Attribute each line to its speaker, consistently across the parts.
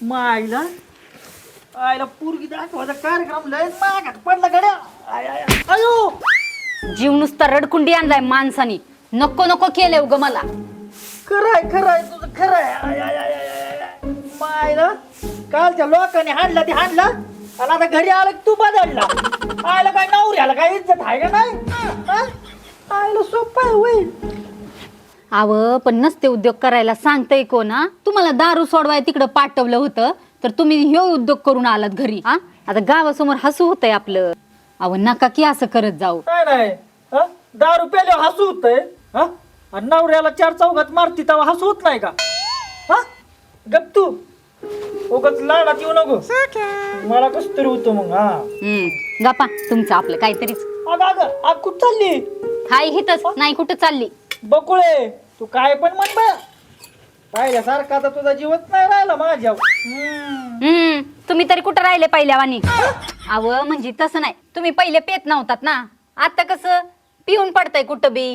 Speaker 1: मायला आयला पोरगी दाखवायचा कार्यक्रम लय मागात पडला गड्या. अयो
Speaker 2: जीव नुसता रडकुंडी आणलाय माणसानी. नको नको केलंय उग मला.
Speaker 1: खरंय तुझं खरंय. मायला कालच्या लोकांनी हाणला ते हाणला आणि आता घरी आलं की तू बदलला. आयला काय नवऱ्याला काय इज्जत आहे का नाही? हा? आयला सोपं आहे होईल.
Speaker 2: आव पण नसते उद्योग करायला सांगतय कोण हा? तुम्हाला दारू सोडवाय तिकडं पाठवलं होतं तर तुम्ही ह्यो उद्योग करून आलात घरी. हा आता गावासमोर हसू होतंय आपलं. अव नका की असं करत जाऊ.
Speaker 1: काय नाही हा? दारू प्यायल्यावर हसू होतंय हा? आणि नवऱ्याला चार चौघात मारती तेव्हा हसू होत नाही का? हा गप तू उगाच लाडात येऊ नको. मला कस तरी होतं मग. हा
Speaker 2: गप्पा तुमचं आपलं काहीतरीच.
Speaker 1: अगं कुठं चालली?
Speaker 2: हाय हितच नाही कुठं चालली.
Speaker 1: बकुळे तू काय पण म्हण बा. पाहिल्यासारखा आता तुझा जीवच नाही राहिला माझ्या.
Speaker 2: तुम्ही तरी कुठं राहिले पहिल्यावानी. अव म्हणजे तसं नाही. तुम्ही पहिले पेत नव्हतात ना. आता कसं पिऊन पडतंय कुठं बी.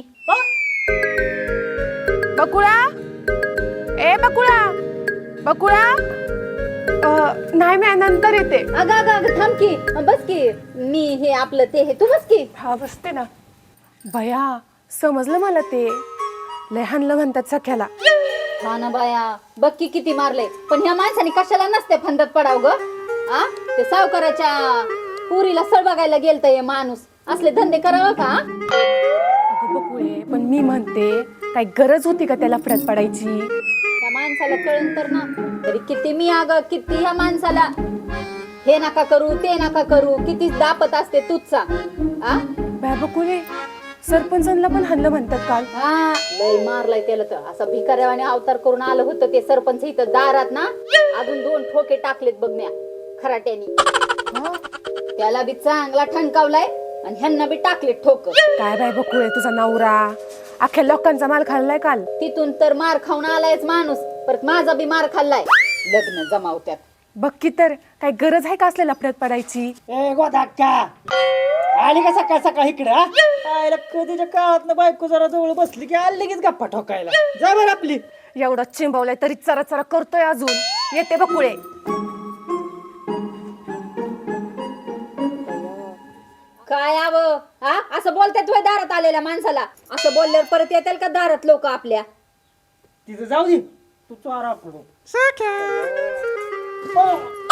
Speaker 3: बकुळा ए बकुळा बकुळा नाही मी नंतर येते.
Speaker 2: अगं अगं अगं थांब की बस की. मी हे आपलं ते हे तू बस की.
Speaker 3: हा बसते ना. भया समजलं मला ते लय हाणलं म्हणतात सख्याला.
Speaker 2: हा ना बाया बघ की किती मारले. पण ह्या माणसाने कशाला नसते फंदत पडाव ग. आ ते सावकाराच्या पुरीला सळ बघायला गेलत हे माणूस. असले धंदे करावं का?
Speaker 3: अगं बकुळे पण मी म्हणते काय गरज होती का त्याला फरक पडायची.
Speaker 2: त्या माणसाला कळण तर ना. तरी किती मी अगं किती ह्या माणसाला हे नका करू ते नका करू किती दापत असते तुझचा. आ
Speaker 3: बाय बकुळे सरपंचांना पण हाणलं म्हणतात काल.
Speaker 2: हा लय मारलाय त्याला तर. असा भिकाऱ्यावाने अवतार करून आलं होतं ते सरपंच इथं दारात ना. अजून 2 ठोके टाकलेत बघण्या खराट्यानी. त्याला बी चांगला ठणकावलाय आणि ह्यांना बी टाकलेत ठोक.
Speaker 3: काय बाय बकुळे तुझा नवरा अख्ख्या लोकांचा माल खाल्लाय काल.
Speaker 2: तिथून तर मार खाऊन आलायच माणूस. परत माझा बी मार खाल्लाय. लग्न जमावत्यात.
Speaker 3: बघ की तर काय गरज आहे का असलेला फरक पडायची.
Speaker 1: ए गोदाक्का आली का सकाळ सकाळ इकडे? आयला कधीच्या काळात बायको जरा जवळ बसली की आली लगेच गप्पा ठोकायला. जा बरं आपली.
Speaker 3: एवढं चिंबवलंय तरी चरा चरा करतोय अजून. येते बकुळे.
Speaker 2: काय हवं हा असं बोलतात तुझ्या दारात आलेल्या माणसाला. असं बोलल्यावर परत येतील का दारात लोक आपल्या.
Speaker 1: तिथं जाऊ दे तू चारा करू.